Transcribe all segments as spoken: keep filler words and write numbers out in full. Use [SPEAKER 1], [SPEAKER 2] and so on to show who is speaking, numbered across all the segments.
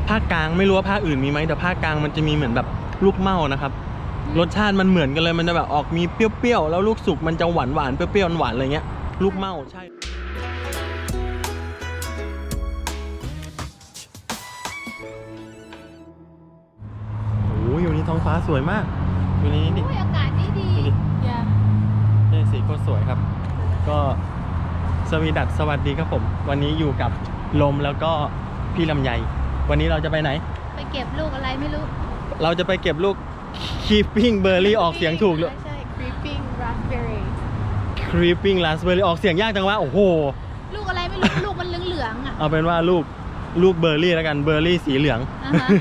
[SPEAKER 1] ภาคกลางไม่รู้ว่าภาคอื่นมีไหมแต่ภาคกลางมันจะมีเหมือนแบบลูกเม่านะครับรสชาติมันเหมือนกันเลยมันจะแบบออกมีเปรี้ยวๆแล้วลูกสุกมันจะหวานหวานเปรี้ยวๆหวานอะไรเงี้ยลูกเม่าใช่โอ้ยวันนี้ท้องฟ้าสวยมากอยู่ในนี้ดิ
[SPEAKER 2] อากาศดีดี
[SPEAKER 1] นี่สีโคตรสวยครับก็สวีดัสสวัสดีครับผมวันนี้อยู่กับลมแล้วก็พี่ลำไยวันนี้เราจะไปไหน
[SPEAKER 2] ไปเก็บลูกอะไรไม่รู้
[SPEAKER 1] เราจะไปเก็บลูก creeping berry ออกเสียงถูกเลย
[SPEAKER 2] ใช่ creeping raspberry
[SPEAKER 1] creeping raspberry ออกเสียงยากจังวะโอ้โห
[SPEAKER 2] ลูกอะไรไม่รู้ลูกมันเหลืองๆอ่ะ
[SPEAKER 1] เอาเป็นว่าลูกลูกเบอร์รี่แล้วกันเบอร์รี่สีเหลือง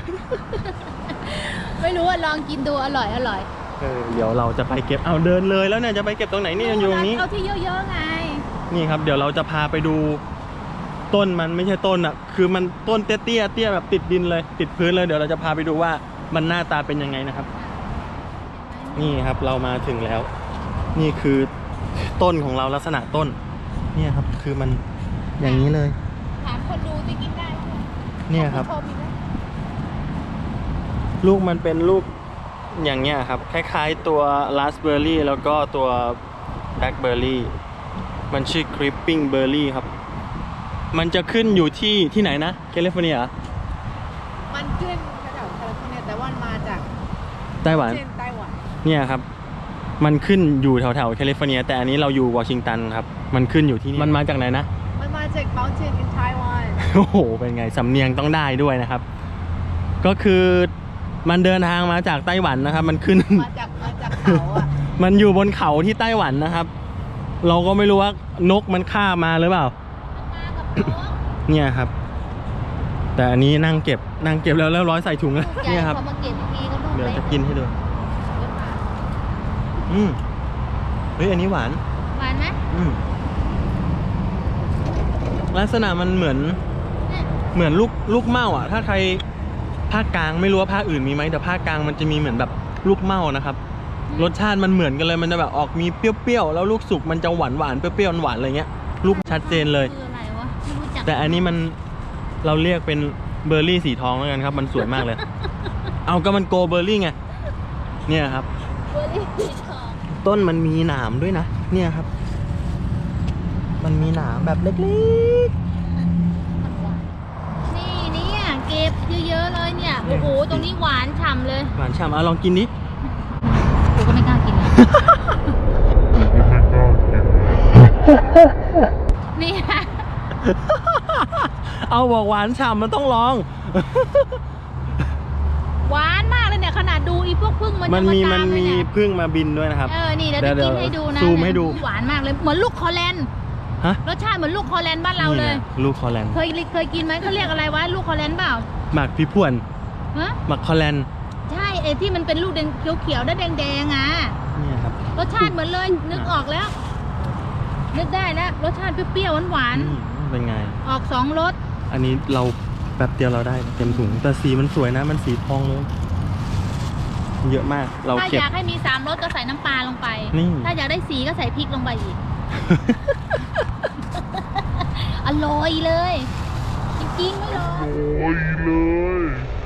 [SPEAKER 2] ไม่รู้ว่าลองกินดูอร่อยอร่อย
[SPEAKER 1] เออเดี๋ยวเราจะไปเก็บเอาเดินเลยแล้วเนี่ยจะไปเก็บตรงไหนนี่อยู่ตรงนี้
[SPEAKER 2] เอาที่เยอะๆไง
[SPEAKER 1] นี่ครับเดี๋ยวเราจะพาไปดูต้นมันไม่ใช่ต้นอ่ะคือมันต้นเตี้ยเตี้ยเตี้ยแบบติดดินเลยติดพื้นเลยเดี๋ยวเราจะพาไปดูว่ามันหน้าตาเป็นยังไงนะครับนี่ครับเรามาถึงแล้วนี่คือต้นของเราลักษณะต้นเนี่ยครับคือมันอย่างนี้เลย
[SPEAKER 2] ถามคนดูจะกินได้ไหม
[SPEAKER 1] เนี่ยครับลูกมันเป็นลูกอย่างเงี้ยครับคล้ายๆตัวราสเบอร์รี่แล้วก็ตัวแบล็คเบอร์รี่มันชื่อ creeping berry ครับมันจะขึ้นอยู่ที่ที่ไหนนะแคลิฟอร์เนีย
[SPEAKER 2] มันขึ้นแถวแคลิฟอร์เนียแต่ว่ามาจาก
[SPEAKER 1] ไต้หวัน
[SPEAKER 2] ไต้หวัน
[SPEAKER 1] เนี่ยครับมันขึ้นอยู่แถวแถวแคลิฟอร์เนียแต่อันนี้เราอยู่วอชิงตันครับมันขึ้นอยู่ที่นี่มันมาจากไหนนะ
[SPEAKER 2] มันมาจาก mountain in Taiwan
[SPEAKER 1] โอ้โหเป็นไงสำเนียงต้องได้ด้วยนะครับก็คือมันเดินทางมาจากไต้หวันนะครับมันขึ้น
[SPEAKER 2] มาจากมาจากเขาอ่ะ
[SPEAKER 1] มันอยู่บนเขาที่ไต้หวันนะครับเราก็ไม่รู้ว่านกมันฆ่ามาหรือเปล่าเนี่ยครับแต่อันนี้นั่งเก็บนั่งเก็บแล้วแล้วร้อยใส่ถุงแล้วเนี่ยครับเดี๋ยวจะกินให้ดูอืมเฮ้ยอันนี้หวาน
[SPEAKER 2] หวานไหม
[SPEAKER 1] อืมลักษณะมันเหมือนเหมือนลูกลูกเม่าอ่ะถ้าใครภาคกลางไม่รู้ว่าภาคอื่นมีไหมแต่ภาคกลางมันจะมีเหมือนแบบลูกเม่านะครับรสชาติมันเหมือนกันเลยมันจะแบบออกมีเปรี้ยวๆแล้วลูกสุกมันจะหวานหวานเปรี้ยวๆหวานอะไรเงี้ยลูกชัดเจนเลยแต่อันนี้มันเราเรียกเป็นเบอร์รี่สีทองแล้วกันครับมันสวยมากเลย เอาก็มันโกเบอร์รี่ไงเนี่ยครับ
[SPEAKER 2] เบอร์รี่สีทอง
[SPEAKER 1] ต้นมันมีหนามด้วยนะเนี่ยครับมันมีหนามแบบเล็กๆ
[SPEAKER 2] นี่เนี่ยเก็บเยอะๆเลยเนี่ยโอ้โหตรงนี้หวานฉ่ำเลย
[SPEAKER 1] หวานฉ่ำเอาลองกินดิ
[SPEAKER 2] กูก็ไม่กล้ากินเลยนี่
[SPEAKER 1] เอาบอกหวานฉ่ำมันต้องลอง
[SPEAKER 2] หวานมากเลยเนี่ยขนาดดูอีพวกพึ่งมัน
[SPEAKER 1] มันมีมันมีพึ่งมาบินด้วยนะครับ
[SPEAKER 2] เออนี่เดี๋ยวจะกินให้ดูนะ
[SPEAKER 1] ซูมให้ดู
[SPEAKER 2] หวานมากเลยเหมือนลูกคอแลนด์
[SPEAKER 1] ฮะ
[SPEAKER 2] รสชาติเหมือนลูกคอแลนด์บ้านเราเลย
[SPEAKER 1] ลูกคอแลนด์
[SPEAKER 2] เคยเคยกินไหมเขาเรียกอะไรวะลูกคอแลนด์เปล่า
[SPEAKER 1] หมักพี่พวน
[SPEAKER 2] ฮะ
[SPEAKER 1] หมักคอแลนด์
[SPEAKER 2] ใช่ไอ้ที่มันเป็นลูกแดงเขียวๆแดงแดงอ่ะ
[SPEAKER 1] นี่ครับ
[SPEAKER 2] รสชาติเหมือนเลยนึกออกแล้วนึกได้แล้วรสชาติเปรี้ยวๆหวาน
[SPEAKER 1] ๆเป็นไง
[SPEAKER 2] ออกสองรส
[SPEAKER 1] อันนี้เราแป๊บเดียวเราได้เต็มถุงแต่สีมันสวยนะมันสีทองเลยเยอะมากเรา
[SPEAKER 2] ถ้าอยากให้มีสามรสก็ใส่น้ำปลาลงไปถ้าอยากได้สีก็ใส่พริกลงไปอีก อร่อยเลยจริงๆไม่รออร่อย
[SPEAKER 1] เลย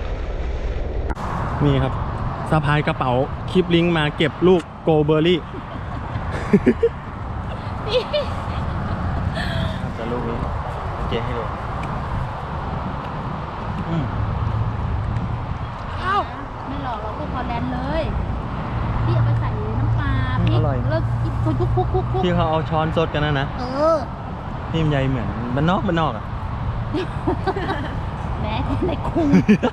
[SPEAKER 1] นี่ครับสะพายกระเป๋าคลิปลิงก์มาเก็บลูกโกเบอร์รี่จะลูกนี้เจ๊ให้ดู
[SPEAKER 2] อ้าวไม่หลอกเราลูกคอแลนด์เลยพี่เอาไปใส่น้ำปลาพริกแล้วคุกคุกคุกคุก
[SPEAKER 1] ที่เขาเอาช้อนซดกันนะนะ
[SPEAKER 2] เออ
[SPEAKER 1] นี่มันใหญ่เหมือนบ้านนอกบ้านนอกอ่ะ
[SPEAKER 2] แหมในคุ้ง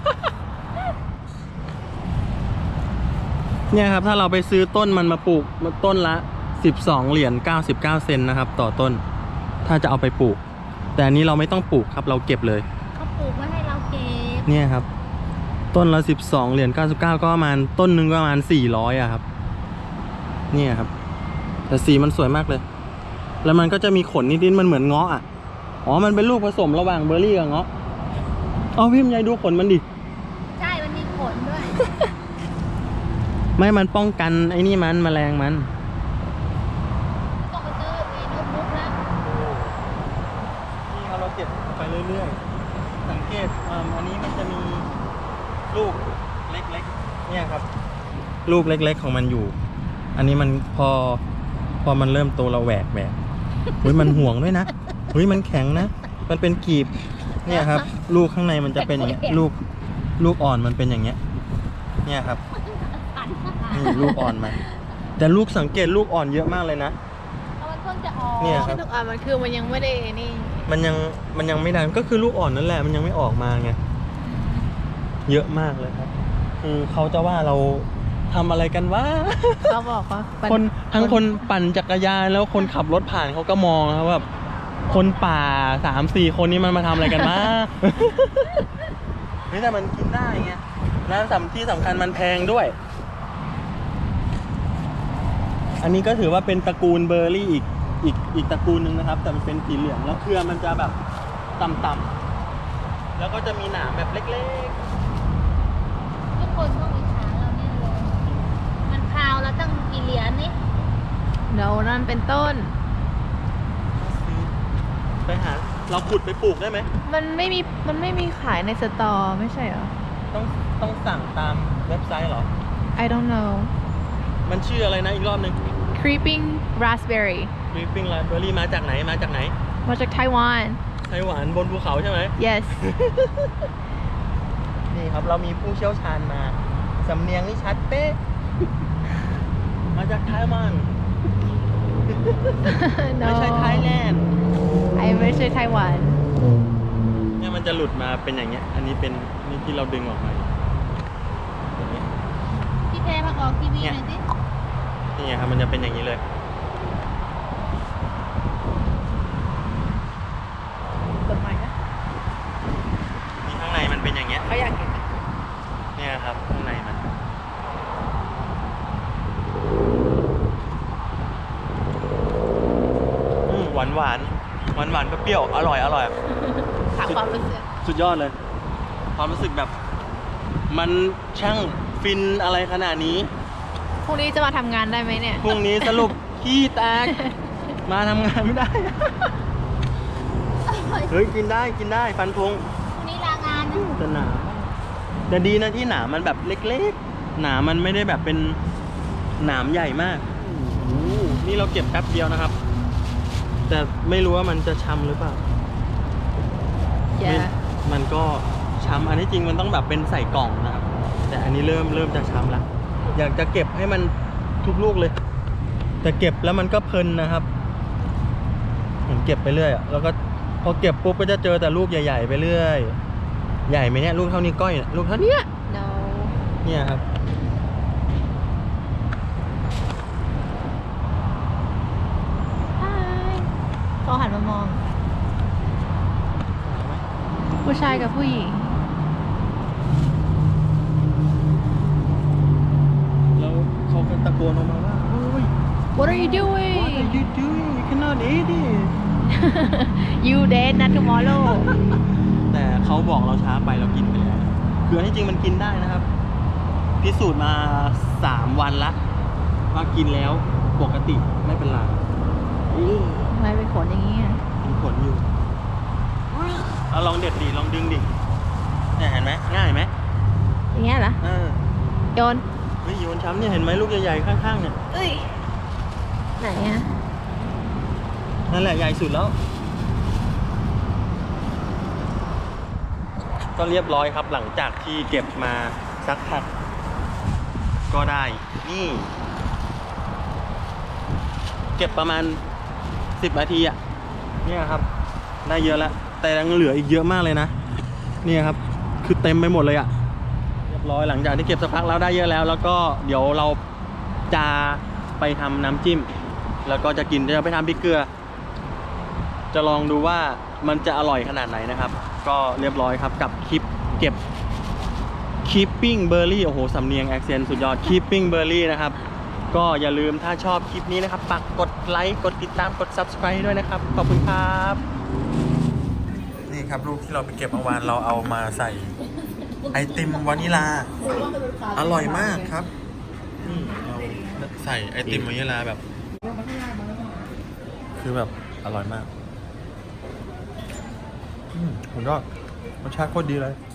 [SPEAKER 1] เนี่ยครับถ้าเราไปซื้อต้นมันมาปลูกต้นละสิบสองเหรียญเก้าสิบเก้าเซนนะครับต่อต้นถ้าจะเอาไปปลูกแต่อันนี้เราไม่ต้องปลูกครับเราเก็บเลย
[SPEAKER 2] เขาปลูกไว้ให้เราเก็บ
[SPEAKER 1] เนี่ยครับต้นละสิบสองเหรียญเก้าสิบเก้าก็ประมาณต้นหนึ่งก็ประมาณสี่ร้อยอะครับเนี่ยครับแต่สีมันสวยมากเลยแล้วมันก็จะมีขนนิดๆมันเหมือนเงาะอ่ะอ๋อมันเป็นลูกผสมระหว่างเบอร์รี่กับเงาะเอาพี่มยายดูขนมันดิ
[SPEAKER 2] ใช่มันมีขนด้วย
[SPEAKER 1] ไม่มันป้องกันไอ้นี่มันแมลงมัน
[SPEAKER 2] ต้องไปซื้อไอ้โน้ตบุ๊กนะ
[SPEAKER 1] นี่เราเก็บไปเรื่อยๆสังเกตอันนี้มันจะมีลูกเล็กๆเนี่ยครับ ลูกเล็กๆของมันอยู่ อันนี้มันพอพอมันเริ่มโตเราแหวกแหวกเฮ้ยมันห่วงด้วยนะเฮ้ยมันแข็งนะมันเป็นกีบเนี่ยครับ ลูกข้างในมันจะเป็นอย่างเงี้ยลูกลูกอ่อนมันเป็นอย่างเงี้ยเนี่ยครับนี่ลูกอ่อนมันแต่ลูกสังเกตลูกอ่อนเยอะมากเลยนะ
[SPEAKER 2] เอามันเพิ่งจะออก
[SPEAKER 1] เนี่ยครับ
[SPEAKER 3] ลูกอ่อนมันคือมันยังไม่ได้นี่
[SPEAKER 1] มันยังมันยังไม่ดังก็คือลูกอ่อนนั่นแหละมันยังไม่ออกมาไงเยอะมากเลยครับคือเขาจะว่าเราทำอะไรกันวะ
[SPEAKER 3] เขาบอกว่ามั
[SPEAKER 1] คนทั้งคนปั่นจักรยานแล้วคนขับรถผ่านเขาก็มองครับแบบคนป่าสามสี่คนนี้มันมาทำอะไรกันมา นี่แต่มันกินได้ไงแล้วสำที่สำคัญมันแพงด้วย อันนี้ก็ถือว่าเป็นตระกูลเบอร์รี่อีกอีกอีกตระกูลหนึ่งนะครับ แต่มันเป็นสีเหลืองแล้วเครือมันจะแบบต่ำๆแล้วก็จะมีหนามแบบเล็ก
[SPEAKER 2] ทุกคนต้องอิจฉาเราเนี่ยเลยมันพาวแล้วตั้งกี่เหรียญนี่
[SPEAKER 3] เดี๋ยวนั่นเป็นต้น
[SPEAKER 1] ๆไปหาเราขุดไปปลูกได้ไหม
[SPEAKER 3] มันไม่มีมันไม่มีขายในสตอร์ไม่ใช่เหรอ
[SPEAKER 1] ต้องต้องสั่งตามเว็บไซต์เหรอ
[SPEAKER 3] I don't know
[SPEAKER 1] มันชื่ออะไรนะอีกรอบหนึ่ง
[SPEAKER 3] creeping raspberry
[SPEAKER 1] Creeping Raspberry มาจากไหนมาจากไหน
[SPEAKER 3] มาจากไต้หวัน
[SPEAKER 1] ไต้หวันบนภูเขาใช่ไหม
[SPEAKER 3] yes
[SPEAKER 1] นี่ครับเรามีผู้เชี่ยวชาญมา สำเนียงนี่ชัดเป๊ะ มาจากไต้หวัน
[SPEAKER 3] no
[SPEAKER 1] ไม่ใช่ไทยแลนด์
[SPEAKER 3] ไอไม่ใช่ไต้หวัน
[SPEAKER 1] เนี่ยมันจะหลุดมาเป็นอย่างเงี้ย อันนี้เป็นนี่ที่เราดึงออกมาอย่างเงี้ย
[SPEAKER 2] พี่แพรมาออกทีวีหน่อยสิ
[SPEAKER 1] นี่ไงครับมันจะเป็นอย่างนี้เลย
[SPEAKER 3] เปิดใหม่นะ
[SPEAKER 1] นี่ข้างในมันเป็นอย่างเงี้ย
[SPEAKER 3] เขาอยากเห็น
[SPEAKER 1] เนี่ยครับข้างในมันอืมหวานหวานหวานหวานๆเปรี้ยวๆอร่อยอร่อย
[SPEAKER 3] ถามความรู้สึก
[SPEAKER 1] สุดยอดเลย ความรู้สึกแบบ มันช่างฟินอะไรขนาดนี้
[SPEAKER 3] พรุ่งนี้จะมาทำงานได้ไหมเนี่ย
[SPEAKER 1] พรุ่งนี้สรุป ขี้แตก มาทำงานไม่ได้ เฮ้ย กินได้กินได้ฟันธง
[SPEAKER 2] พรุ่งนี้ลางานนะ
[SPEAKER 1] แต่หนามแต่ดีนะที่หนามมันแบบเล็กๆ หนามมันไม่ได้แบบเป็นหนามใหญ่มากโอ้โหนี่เราเก็บแป๊บเดียวนะครับ แต่ไม่รู้ว่ามันจะช้ำหรือเปล่า
[SPEAKER 3] อย่า
[SPEAKER 1] ไม่มันก็ช้ำอันที่จริงมันต้องแบบเป็นใส่กล่องนะครับ แต่อันนี้เริ่มเริ่มจะช้ำแล้ว อยากจะเก็บให้มันทุกลูกเลย แต่เก็บแล้วมันก็เพลินนะครับเหมือนเก็บไปเรื่อยอะแล้วก็พอเก็บปุ๊บก็จะเจอแต่ลูกใหญ่ๆไปเรื่อย ใหญ่ไหมเนี่ยลูกเท่านี้ก้อยเนี่ยลูกเท่านี้
[SPEAKER 3] no
[SPEAKER 1] เนี่ยครับ
[SPEAKER 3] Hi เขาหันมามอง ผู้ชายกับผู้หญิง
[SPEAKER 1] แล้วเขาก็ตะโกนออกมาว่าโอ้ย
[SPEAKER 3] What are you
[SPEAKER 1] What
[SPEAKER 3] doing
[SPEAKER 1] are you doing you cannot eat it
[SPEAKER 3] You dead not tomorrow
[SPEAKER 1] แต่เขาบอกเราช้าไปเรากินไปแล้วคืออันที่จริงมันกินได้นะครับ พิสูจน์มาสามวันละว่ากินแล้วปกติไม่เป็นไรอื้อ
[SPEAKER 3] ทำไมเป็นขนอย่างนี้อ่ะ
[SPEAKER 1] มีผลอยู่เอาลองเด็ดดิลองดึงดิเนี่ยเห็นไหมง่ายไหม
[SPEAKER 3] อย่างเงี้ยเหรอ
[SPEAKER 1] เออ
[SPEAKER 3] โยน
[SPEAKER 1] เฮ้ยโยนช้ำเนี่ยเห็นไหมลูกใหญ่ๆข้างๆเนี่ย
[SPEAKER 3] เอ้ย ไหนอ่ะ
[SPEAKER 1] นั่นแหละใหญ่สุดแล้ว ก็เรียบร้อยครับหลังจากที่เก็บมาสักพักก็ได้นี่ เก็บประมาณสิบนาทีอะเนี่ยครับได้เยอะแล้วแต่ยังเหลืออีกเยอะมากเลยนะเนี่ยครับคือเต็มไปหมดเลยอะเรียบร้อยหลังจากที่เก็บสักพักแล้วได้เยอะแล้ว แล้วก็เดี๋ยวเราจะไปทำน้ำจิ้ม แล้วก็จะกินจะไปทำพริกเกลือ จะลองดูว่ามันจะอร่อยขนาดไหนนะครับ ก็เรียบร้อยครับกับคลิปเก็บ Keeping Berry โอ้โหสำเนียง accent สุดยอด Keeping Berry นะครับ ก็อย่าลืมถ้าชอบคลิปนี้นะครับฝากกดไลค์กดติดตามกด Subscribe ด้วยนะครับ ขอบคุณครับ นี่ครับลูกที่เราไปเก็บเมื่อวานเราเอามาใส่ไอติมวานิลา อร่อยมากครับนี่เราใส่ไอติมวานิลาแบบ คือแบบอร่อยมาก อืมสุดยอดรสชาติโคตรดีเลย